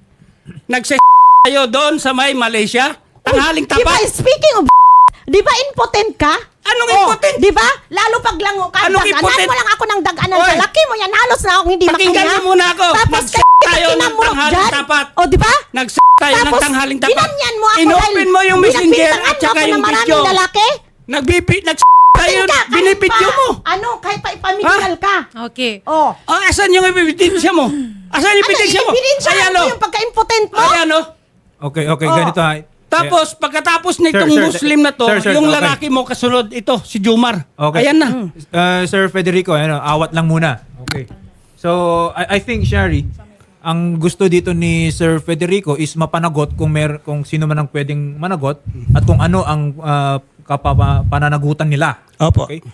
[SPEAKER 2] Nagse tayo doon sa may Malaysia. Tanghaling
[SPEAKER 1] Di ba,
[SPEAKER 2] tapat.
[SPEAKER 1] speaking of di ba impotent ka?
[SPEAKER 2] Anong
[SPEAKER 1] Oh,
[SPEAKER 2] impotent?
[SPEAKER 1] Di ba? Lalo pag lango ka,
[SPEAKER 2] Anong
[SPEAKER 1] daganan
[SPEAKER 2] impotent?
[SPEAKER 1] mo lang ako ng daganan
[SPEAKER 2] Oy.
[SPEAKER 1] sa laki mo yan. Halos na akong hindi
[SPEAKER 2] Pakinggan
[SPEAKER 1] makahinga.
[SPEAKER 2] mo muna ako.
[SPEAKER 1] Tapos
[SPEAKER 2] Nagse tayo ng
[SPEAKER 1] kinamurot
[SPEAKER 2] tanghaling
[SPEAKER 1] dyan.
[SPEAKER 2] tapat.
[SPEAKER 1] O, di ba?
[SPEAKER 2] Nagse tayo ng
[SPEAKER 1] Tapos,
[SPEAKER 2] tanghaling tapat.
[SPEAKER 1] ginanyan mo ako
[SPEAKER 2] Inopen
[SPEAKER 1] dahil
[SPEAKER 2] mo yung messenger
[SPEAKER 1] binagbitangan
[SPEAKER 2] at
[SPEAKER 1] mo
[SPEAKER 2] saka
[SPEAKER 1] ako
[SPEAKER 2] yung
[SPEAKER 1] ng maraming
[SPEAKER 2] video.
[SPEAKER 1] lalaki.
[SPEAKER 2] Nagbipi, nag tayo,
[SPEAKER 1] Ka, kahit
[SPEAKER 2] binipidyo
[SPEAKER 1] pa-
[SPEAKER 2] mo.
[SPEAKER 1] Ano, kahit pa ipamedical ka.
[SPEAKER 3] Okay.
[SPEAKER 1] Oh.
[SPEAKER 2] Oh, asan yung ebidensya mo? Asan yung ebidensya
[SPEAKER 1] Ano,
[SPEAKER 2] mo?
[SPEAKER 1] ebidensya
[SPEAKER 2] Ayan
[SPEAKER 1] mo
[SPEAKER 2] o.
[SPEAKER 1] yung pagka-impotent mo?
[SPEAKER 2] Ayan o.
[SPEAKER 4] Okay, okay,
[SPEAKER 1] Oh.
[SPEAKER 4] ganito ha.
[SPEAKER 2] Tapos, pagkatapos nitong
[SPEAKER 4] Sir, sir,
[SPEAKER 2] Muslim na to,
[SPEAKER 4] sir, sir,
[SPEAKER 2] yung
[SPEAKER 4] okay.
[SPEAKER 2] lalaki mo kasunod, ito, si Jumar.
[SPEAKER 4] Okay.
[SPEAKER 2] Ayan na.
[SPEAKER 4] Uh, Sir Federico, ano, awat lang muna. Okay. So, I, I think, Shari, ang gusto dito ni Sir Federico is mapanagot kung mer kung sino man ang pwedeng managot at kung ano ang uh, kapapa- pananagutan nila.
[SPEAKER 2] Opo.
[SPEAKER 4] Okay?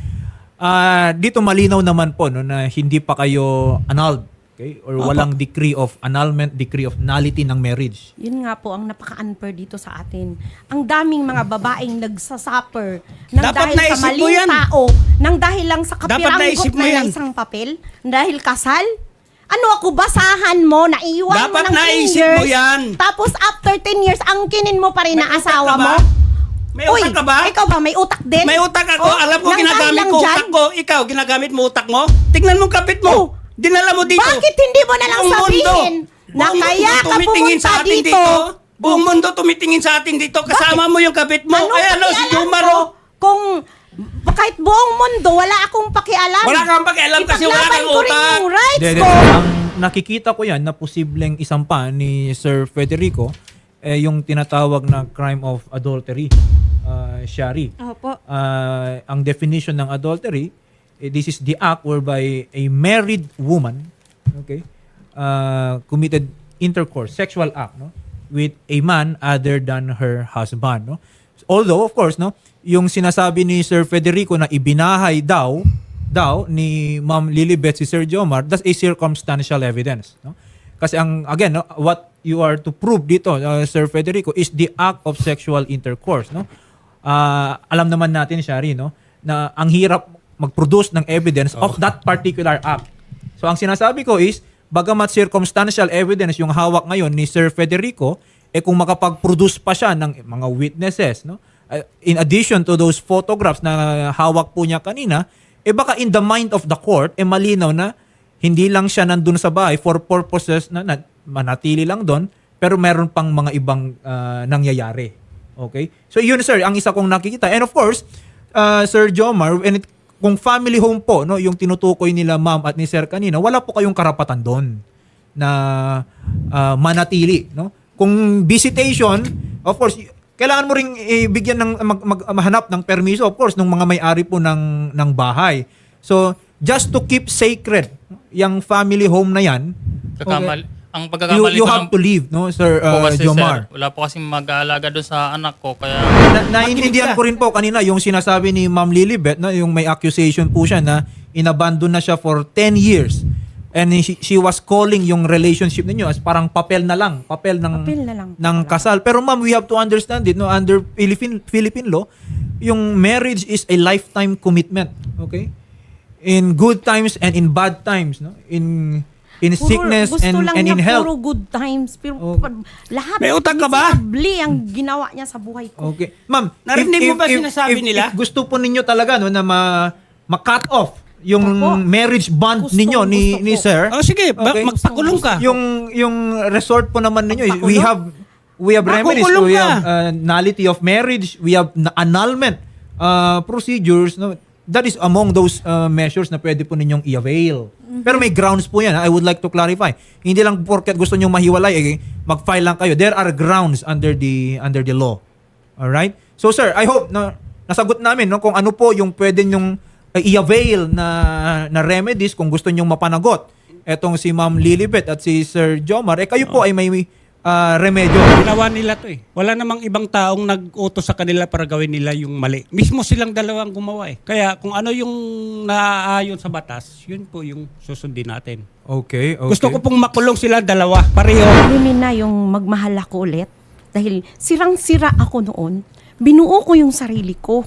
[SPEAKER 4] Ah, dito malinaw naman po no, na hindi pa kayo annulled. Okay? Or
[SPEAKER 2] Opo.
[SPEAKER 4] walang decree of annulment, decree of nullity ng marriage.
[SPEAKER 1] Yun nga po ang napaka-unfair dito sa atin. Ang daming mga babaeng nagsasuffer nang
[SPEAKER 2] Dapat
[SPEAKER 1] dahil sa
[SPEAKER 2] naisip mo
[SPEAKER 1] maling
[SPEAKER 2] yan.
[SPEAKER 1] tao, nang dahil lang sa
[SPEAKER 2] Dapat
[SPEAKER 1] kapiranggot
[SPEAKER 2] naisip mo
[SPEAKER 1] na
[SPEAKER 2] yan.
[SPEAKER 1] isang papel, dahil kasal. Ano ako, basahan mo, naiwan mo
[SPEAKER 2] Dapat
[SPEAKER 1] ng ten
[SPEAKER 2] naisip
[SPEAKER 1] years.
[SPEAKER 2] mo yan.
[SPEAKER 1] Tapos after ten years, angkinin mo pa rin
[SPEAKER 2] May
[SPEAKER 1] na
[SPEAKER 2] utak
[SPEAKER 1] asawa
[SPEAKER 2] ka ba?
[SPEAKER 1] mo.
[SPEAKER 2] May
[SPEAKER 1] Uy,
[SPEAKER 2] utak ka ba?
[SPEAKER 1] ikaw ba, may utak din?
[SPEAKER 2] May utak ako.
[SPEAKER 1] Oh,
[SPEAKER 2] Alam ko
[SPEAKER 1] nang
[SPEAKER 2] ginagamit
[SPEAKER 1] dahil lang
[SPEAKER 2] ko
[SPEAKER 1] dyan,
[SPEAKER 2] utak ko. Ikaw, ginagamit mo utak mo? Tignan mo kapit mo.
[SPEAKER 1] Oh.
[SPEAKER 2] Dinala mo dito.
[SPEAKER 1] Bakit hindi mo na lang
[SPEAKER 2] Buong
[SPEAKER 1] sabihin
[SPEAKER 2] mundo.
[SPEAKER 1] na
[SPEAKER 2] Buong
[SPEAKER 1] kaya
[SPEAKER 2] mundo
[SPEAKER 1] ka
[SPEAKER 2] tumitingin
[SPEAKER 1] pumunta
[SPEAKER 2] sa atin
[SPEAKER 1] dito?
[SPEAKER 2] Buong mundo tumitingin sa atin dito. Kasama mo yung kapit mo.
[SPEAKER 1] Anong
[SPEAKER 2] Ayan o, si
[SPEAKER 1] pakialam
[SPEAKER 2] Jumar
[SPEAKER 1] ko
[SPEAKER 2] o.
[SPEAKER 1] Kung kahit buong mundo, wala akong pakialam.
[SPEAKER 2] Wala kang pakialam kasi wala
[SPEAKER 1] Ipaglaban
[SPEAKER 2] kang
[SPEAKER 1] ko rin
[SPEAKER 2] utak.
[SPEAKER 1] yung rights
[SPEAKER 4] Hindi,
[SPEAKER 1] ko.
[SPEAKER 4] hindi. Ang nakikita ko yan na posibleng isampa ni Sir Federico eh, yung tinatawag na crime of adultery, uh, Shari.
[SPEAKER 3] Opo.
[SPEAKER 4] Uh, ang definition ng adultery, eh, this is the act whereby a married woman, okay, uh, committed intercourse, sexual act, no, with a man other than her husband, no. Although, of course, no, yung sinasabi ni Sir Federico na ibinahay daw, daw ni Ma'am Lilibet si Sir Jomar, that's a circumstantial evidence, no. Kasi ang, again, no, what you are to prove dito, uh, Sir Federico, is the act of sexual intercourse, no. Uh, alam naman natin, Shari, no, na ang hirap mag-produce ng evidence of that particular act. So ang sinasabi ko is, bagamat circumstantial evidence yung hawak ngayon ni Sir Federico, eh kung makapag-produce pa siya ng mga witnesses, no? Uh, in addition to those photographs na hawak po niya kanina, eh baka in the mind of the court, eh malinaw na hindi lang siya nandun sa bahay for purposes na, na manatili lang doon, pero meron pang mga ibang uh, nangyayari. Okay? So yun sir, ang isa kong nakikita. And of course, uh, Sir Jomar, and it, kung family home po, no, yung tinutukoy nila ma'am at ni sir kanina, wala po kayong karapatan doon na uh, manatili, no? Kung visitation, of course, y- kailangan mo ring ibigyan ng mag, mag, mahanap ng permiso, of course, ng mga may-ari po ng ng bahay. So, just to keep sacred yung family home na yan,
[SPEAKER 5] Kakamali, ang
[SPEAKER 4] You,
[SPEAKER 5] pagkakamali
[SPEAKER 4] you
[SPEAKER 5] ko
[SPEAKER 4] have
[SPEAKER 5] lang
[SPEAKER 4] to leave, no, Sir
[SPEAKER 5] po
[SPEAKER 4] uh,
[SPEAKER 5] kasi,
[SPEAKER 4] Jomar.
[SPEAKER 5] sir, wala po kasi mag-aalaga doon sa anak ko. Kaya
[SPEAKER 4] Na, naiintindihan ko rin po kanina yung sinasabi ni Ma'am Lilibet, no, yung may accusation po siya na inabandon na siya for ten years. And she, she was calling yung relationship ninyo as parang papel na lang, papel ng
[SPEAKER 1] Papel na lang.
[SPEAKER 4] ng kasal. Pero ma'am, we have to understand it, no, under Philippine Philippine law, yung marriage is a lifetime commitment, okay? In good times and in bad times, no? In in
[SPEAKER 1] Puro-
[SPEAKER 4] sickness
[SPEAKER 1] gusto
[SPEAKER 4] and
[SPEAKER 1] lang
[SPEAKER 4] and
[SPEAKER 1] niya
[SPEAKER 4] in health.
[SPEAKER 1] puro good times. Pero
[SPEAKER 4] Oh.
[SPEAKER 1] pa- lahat.
[SPEAKER 2] May utak ka ba?
[SPEAKER 1] miserably ang ginawa niya sa buhay ko.
[SPEAKER 4] Okay. Ma'am,
[SPEAKER 2] Narinig mo ba sinasabi
[SPEAKER 4] if,
[SPEAKER 2] nila?
[SPEAKER 4] If gusto po ninyo talaga no na ma, ma-cut off yung
[SPEAKER 1] Opo.
[SPEAKER 4] marriage bond
[SPEAKER 1] Gusto,
[SPEAKER 4] ninyo ni
[SPEAKER 1] gusto
[SPEAKER 4] ni
[SPEAKER 1] po.
[SPEAKER 4] sir.
[SPEAKER 2] Oh, sige, ba-
[SPEAKER 4] Okay.
[SPEAKER 2] magpakulong ka.
[SPEAKER 4] Yung yung resort po naman ninyo,
[SPEAKER 1] Magpakulong?
[SPEAKER 4] we have we have remedies,
[SPEAKER 2] Makukulong
[SPEAKER 4] we
[SPEAKER 2] ka.
[SPEAKER 4] have uh, nullity of marriage, we have na- annulment uh, procedures, no. That is among those uh, measures na pwede po ninyong i-avail. Pero may grounds po yan. ha? I would like to clarify. Hindi lang porket gusto niyo mahiwalay, eh, mag-file lang kayo. There are grounds under the under the law. All right? So sir, I hope na nasagot namin no kung ano po yung pwede nyong uh, i-avail na na remedies kung gusto nyong mapanagot. Etong si Ma'am Lilibet at si Sir Jomar, eh kayo po ay may uh, remedyo.
[SPEAKER 2] Ginawa nila to eh. Wala namang ibang taong nag-utos sa kanila para gawin nila yung mali. Mismo silang dalawang gumawa eh. Kaya kung ano yung naaayon sa batas, yun po yung susundin natin.
[SPEAKER 4] Okay, okay.
[SPEAKER 2] Gusto ko pong makulong sila dalawa, pareho.
[SPEAKER 1] Limin na yung magmahal ako ulit. Dahil sirang-sira ako noon. Binuo ko yung sarili ko.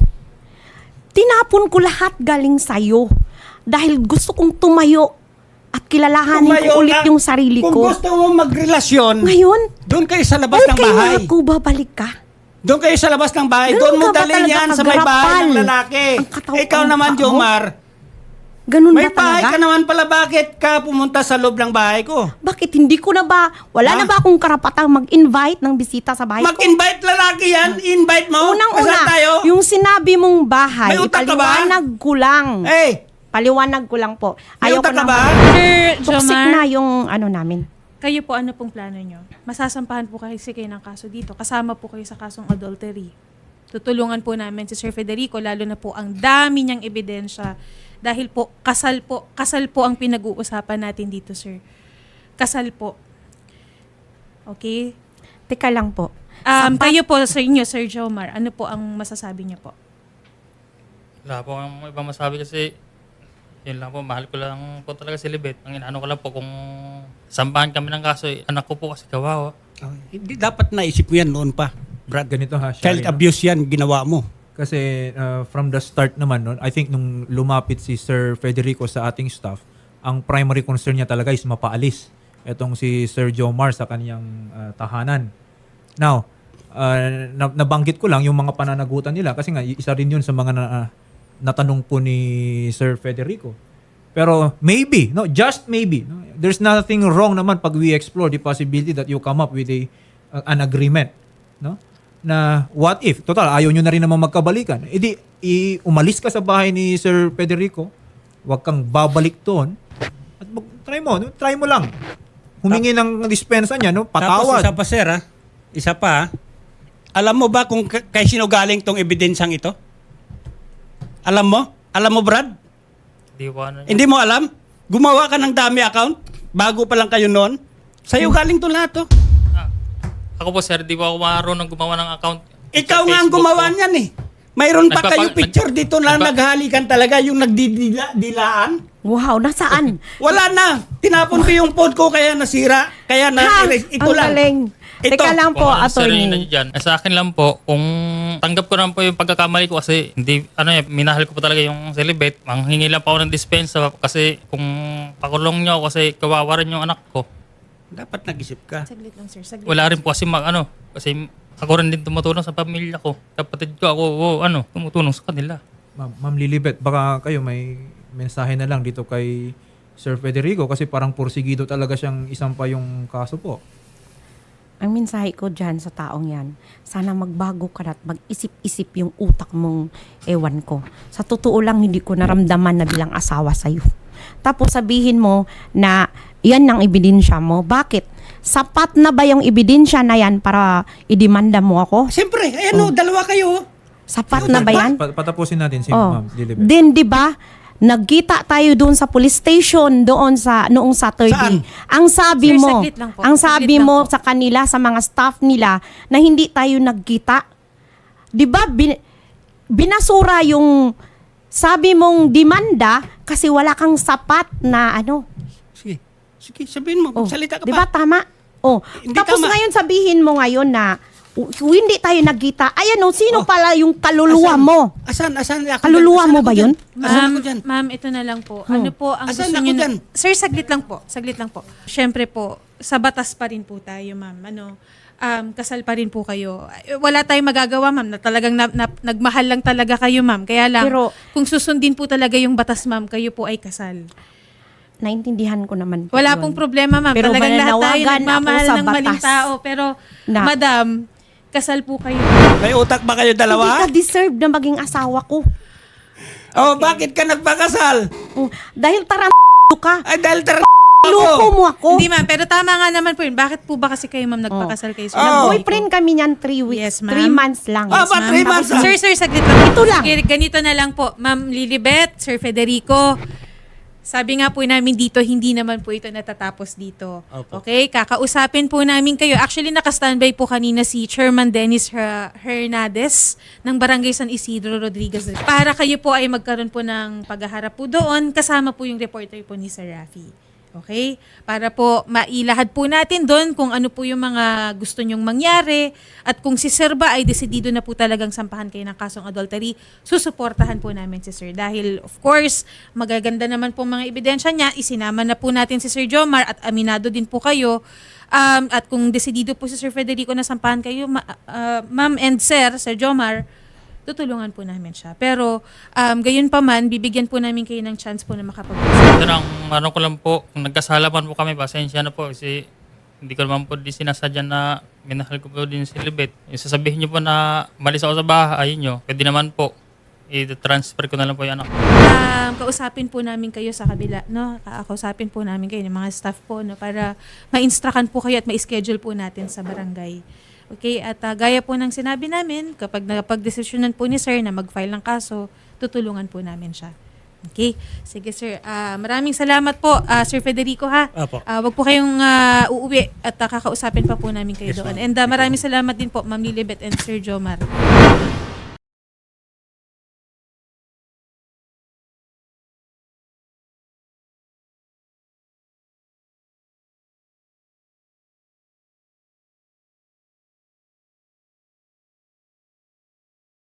[SPEAKER 1] Tinapon ko lahat galing sa'yo. Dahil gusto kong tumayo at kilalahanin
[SPEAKER 2] Tumayo
[SPEAKER 1] ko ulit
[SPEAKER 2] na.
[SPEAKER 1] yung sarili
[SPEAKER 2] Kung
[SPEAKER 1] ko.
[SPEAKER 2] gusto mo magrelasyon,
[SPEAKER 1] Ngayon,
[SPEAKER 2] doon kayo sa labas ng
[SPEAKER 1] okay
[SPEAKER 2] bahay.
[SPEAKER 1] nga ako, babalik ka.
[SPEAKER 2] Doon kayo sa labas ng bahay.
[SPEAKER 1] Ganun
[SPEAKER 2] Doon mo
[SPEAKER 1] ka ba
[SPEAKER 2] dalhin
[SPEAKER 1] talaga
[SPEAKER 2] yan sa may bahay
[SPEAKER 1] kagarapal?
[SPEAKER 2] ng lalaki.
[SPEAKER 1] Ang katawan
[SPEAKER 2] Ikaw
[SPEAKER 1] ng
[SPEAKER 2] naman,
[SPEAKER 1] tao?
[SPEAKER 2] Jomar.
[SPEAKER 1] Ganun
[SPEAKER 2] May
[SPEAKER 1] ba
[SPEAKER 2] bahay
[SPEAKER 1] talaga?
[SPEAKER 2] ka naman pala. Bakit ka pumunta sa loob ng bahay ko?
[SPEAKER 1] Bakit hindi ko na ba, wala
[SPEAKER 2] Ha?
[SPEAKER 1] na ba akong karapatang mag-invite ng bisita sa bahay ko?
[SPEAKER 2] Mag-invite lalaki yan. Invite mo.
[SPEAKER 1] Unang-una,
[SPEAKER 2] Kasal tayo.
[SPEAKER 1] yung sinabi mong bahay,
[SPEAKER 2] May utak ka ba?
[SPEAKER 1] paliwanag ko lang.
[SPEAKER 2] Hey,
[SPEAKER 1] Paliwanag ko lang po.
[SPEAKER 2] may
[SPEAKER 1] Ayaw
[SPEAKER 2] utak
[SPEAKER 1] ko
[SPEAKER 2] ka
[SPEAKER 1] na.
[SPEAKER 2] ba?
[SPEAKER 3] Sir
[SPEAKER 1] Toxic
[SPEAKER 3] Jomar,
[SPEAKER 1] na yung ano namin.
[SPEAKER 3] kayo po ano pong plano nyo? Masasampahan po kasi kayo ng kaso dito. Kasama po kayo sa kasong adultery. Tutulungan po namin si Sir Federico, lalo na po ang dami niyang ebidensya. Dahil po, kasal po, kasal po ang pinag-uusapan natin dito, sir. Kasal po. Okay?
[SPEAKER 1] Teka lang po.
[SPEAKER 3] Um,
[SPEAKER 1] Sapat-
[SPEAKER 3] kayo po sa inyo, Sir Jomar, ano po ang masasabi niyo po?
[SPEAKER 5] wala po akong ibang masabi kasi yun lang po, mahal ko lang po talaga si Libet. Ang inaano ko lang po kung sampahan kami ng kaso, eh, anak ko po kasi kawawa.
[SPEAKER 2] Oh, hindi dapat naisip mo yan noon pa. Brad,
[SPEAKER 4] Ganito ha,
[SPEAKER 2] child
[SPEAKER 4] Shari, no?
[SPEAKER 2] abuse yan ginawa mo.
[SPEAKER 4] Kasi uh, from the start naman, no, I think nung lumapit si Sir Federico sa ating staff, ang primary concern niya talaga is mapaalis. Etong si Sir Jomar sa kaniyang uh, tahanan. Now, uh, na- nabanggit ko lang yung mga pananagutan nila kasi nga isa rin yun sa mga na, uh, natanong po ni Sir Federico. Pero maybe, no, just maybe, no, there's nothing wrong naman pag we explore the possibility that you come up with a uh, an agreement, no? Na what if, total, ayaw nyo na rin naman magkabalikan. E di, i- umalis ka sa bahay ni Sir Federico, huwag kang babalik doon, at mag- try mo, no? Try mo lang. Humingi ng dispensa niya, no?
[SPEAKER 2] Tapos
[SPEAKER 4] Patawad.
[SPEAKER 2] isa pa sir ha, isa pa ha. Alam mo ba kung k- kay sino galing tong ebidensyang ito? Alam mo? Alam mo Brad?
[SPEAKER 5] Di po ano.
[SPEAKER 2] Hindi mo alam? Gumawa ka ng dami account bago pa lang kayo noon. Sa'yo galing to lahat to.
[SPEAKER 5] Ah, ako po sir, di po ako marunong gumawa ng account.
[SPEAKER 2] Ikaw
[SPEAKER 5] Sa
[SPEAKER 2] nga ang
[SPEAKER 5] Facebook
[SPEAKER 2] gumawa
[SPEAKER 5] po.
[SPEAKER 2] niyan eh. Mayroon pa
[SPEAKER 5] Nagpapa-
[SPEAKER 2] kayo picture
[SPEAKER 5] nag-
[SPEAKER 2] dito na
[SPEAKER 5] nagpa-
[SPEAKER 2] naghalikan talaga yung nagdidilaan.
[SPEAKER 1] Wow, nasaan?
[SPEAKER 2] Wala na. Tinapon ko yung phone ko kaya nasira. Kaya na
[SPEAKER 1] Ha?
[SPEAKER 2] ito
[SPEAKER 1] Ang
[SPEAKER 2] lang.
[SPEAKER 1] galing.
[SPEAKER 2] Ito.
[SPEAKER 1] Teka lang po,
[SPEAKER 5] Kung ano, sir, yun na
[SPEAKER 1] attorney.
[SPEAKER 5] dyan. Eh, sa akin lang po, kung tanggap ko naman po yung pagkakamali ko kasi hindi, ano eh, minahal ko po talaga yung celibate. Manghingi lang pa ako ng dispensa kasi kung pakulong nyo ako kasi kawawa rin yung anak ko.
[SPEAKER 2] Dapat nag-isip ka.
[SPEAKER 3] Saglit lang, sir. Saglit.
[SPEAKER 5] Wala rin po kasi mag, ano, kasi ako rin din tumutulong sa pamilya ko. Kapatid ko ako, oh, ano, tumutulong sa kanila.
[SPEAKER 4] Ma'am, Ma'am Lilibet, baka kayo may mensahe na lang dito kay Sir Federico kasi parang porsigido talaga siyang isang pa yung kaso po.
[SPEAKER 1] Ang mensahe ko dyan sa taong yan, sana magbago ka na at mag-isip-isip yung utak mong ewan ko. Sa totoo lang, hindi ko naramdaman na bilang asawa sa'yo. Tapos sabihin mo na yan ang ebidensya mo. Bakit? Sapat na ba yung ebidensya na yan para idemanda mo ako?
[SPEAKER 2] Siyempre, ayan o, dalawa kayo.
[SPEAKER 1] Sapat na ba yan?
[SPEAKER 4] Pa- patapusin natin si
[SPEAKER 1] Oh.
[SPEAKER 4] Ma'am Lilibet.
[SPEAKER 1] Then, di ba, Nagkita tayo doon sa police station doon sa noong Saturday.
[SPEAKER 2] Saan?
[SPEAKER 1] Ang sabi
[SPEAKER 3] Sir,
[SPEAKER 1] mo,
[SPEAKER 3] saglit lang po.
[SPEAKER 1] ang
[SPEAKER 3] Saglit
[SPEAKER 1] sabi
[SPEAKER 3] lang
[SPEAKER 1] mo
[SPEAKER 3] po.
[SPEAKER 1] sa kanila, sa mga staff nila na hindi tayo nagkita. 'Di ba bin- binasura yung sabi mong demanda kasi wala kang sapat na ano.
[SPEAKER 2] Sige. Sige, sabihin mo.
[SPEAKER 1] Oh,
[SPEAKER 2] Salita ka
[SPEAKER 1] 'di
[SPEAKER 2] pa.
[SPEAKER 1] ba tama? Oh,
[SPEAKER 2] Hindi
[SPEAKER 1] tapos
[SPEAKER 2] tama.
[SPEAKER 1] ngayon sabihin mo ngayon na uh, hindi tayo nagkita. Ayan oh, sino
[SPEAKER 2] Oh.
[SPEAKER 1] pala yung kaluluwa
[SPEAKER 2] Asan?
[SPEAKER 1] mo?
[SPEAKER 2] Asan? Asan? Ako
[SPEAKER 1] Kaluluwa
[SPEAKER 2] dyan?
[SPEAKER 1] mo
[SPEAKER 2] Asan
[SPEAKER 1] ba
[SPEAKER 2] ako
[SPEAKER 1] yun?
[SPEAKER 2] dyan? Asan
[SPEAKER 3] Ma'am,
[SPEAKER 2] ako dyan?
[SPEAKER 3] ma'am, ito na lang po. Ano po ang
[SPEAKER 2] Asan
[SPEAKER 3] gusto
[SPEAKER 2] ako
[SPEAKER 3] niyo?
[SPEAKER 2] dyan?
[SPEAKER 3] Na- Sir, saglit lang po. Saglit lang po. Siyempre po, sa batas pa rin po tayo, ma'am. Ano, um, kasal pa rin po kayo. Eh, Wala tayong magagawa, ma'am, na talagang na, na- nagmahal lang talaga kayo, ma'am. Kaya lang,
[SPEAKER 1] Pero-
[SPEAKER 3] kung susundin po talaga yung batas, ma'am, kayo po ay kasal.
[SPEAKER 1] Naintindihan ko naman po
[SPEAKER 3] Wala
[SPEAKER 1] yun.
[SPEAKER 3] pong problema, ma'am.
[SPEAKER 1] Pero
[SPEAKER 3] Talagang lahat tayo
[SPEAKER 1] mananawagan
[SPEAKER 3] nagmamahal
[SPEAKER 1] ako sa
[SPEAKER 3] ng maling
[SPEAKER 1] batas
[SPEAKER 3] tao. Pero,
[SPEAKER 1] na-
[SPEAKER 3] madam, kasal po kayo.
[SPEAKER 2] May utak ba kayo
[SPEAKER 1] Hindi
[SPEAKER 2] dalawa?
[SPEAKER 1] ka deserve na maging asawa ko.
[SPEAKER 2] Oh, bakit ka nagpakasal?
[SPEAKER 1] Oh, dahil taram ka.
[SPEAKER 2] Ay, dahil tar...
[SPEAKER 1] Loko mo ako.
[SPEAKER 3] Hindi, ma'am. Pero tama nga naman po yun. Bakit po ba kasi kayo, ma'am, nagpakasal kayo?
[SPEAKER 2] Oh.
[SPEAKER 1] Nag-boyfriend kami niyan three weeks.
[SPEAKER 3] Yes, ma'am.
[SPEAKER 1] three months lang.
[SPEAKER 2] Ah, ba, three months lang?
[SPEAKER 3] Sir, sir, saglit lang.
[SPEAKER 1] Ito lang.
[SPEAKER 3] Sige, ganito na lang po. Ma'am Lilibet, Sir Federico, sabi nga po namin dito, hindi naman po ito natatapos dito.
[SPEAKER 2] Opo.
[SPEAKER 3] Okay? Kakausapin po namin kayo. Actually, nakastandby po kanina si Chairman Dennis Her- Hernandez ng Barangay San Isidro Rodriguez. Para kayo po ay magkaroon po ng paghaharap po doon, kasama po yung reporter po ni Sir Rafi. Okay? Para po mailahad po natin doon kung ano po yung mga gusto nyong mangyari at kung si Sir ba ay desidido na po talagang sampahan kayo ng kasong adultery, susuportahan po namin si Sir. Dahil of course, magaganda naman po mga ebidensya niya, isinama na po natin si Sir Jomar at aminado din po kayo. Um, at kung desidido po si Sir Federico na sampahan kayo, ma- uh, Ma'am and Sir, Sir Jomar, tutulungan po namin siya. Pero um, gayon pa man, bibigyan po namin kayo ng chance po na makapag-usap.
[SPEAKER 5] Ito lang, ano ko lang po, kung nagkasalaman po kami, pasensya na po kasi hindi ko naman po di sinasadya na minahal ko po din si Libet. Yung sasabihin niyo po na malis ako sa bahay niyo, pwede naman po, i-transfer ko na lang po yung anak.
[SPEAKER 3] Um, kausapin po namin kayo sa kabila, no? Kausapin po namin kayo ng mga staff po, no? Para ma-instructan po kayo at ma-schedule po natin sa barangay. Okay? At uh, gaya po ng sinabi namin, kapag napag-desisyonan po ni Sir na mag-file ng kaso, tutulungan po namin siya. Okay? Sige, Sir. Ah, maraming salamat po, ah, Sir Federico, ha?
[SPEAKER 2] Apo.
[SPEAKER 3] Ah, wag po kayong ah, uuwi at ah, kakausapin pa po namin kayo
[SPEAKER 2] Yes,
[SPEAKER 3] doon.
[SPEAKER 2] ma'am.
[SPEAKER 3] And ah, maraming salamat din po, Ma'am Lilibet and Sir Jomar.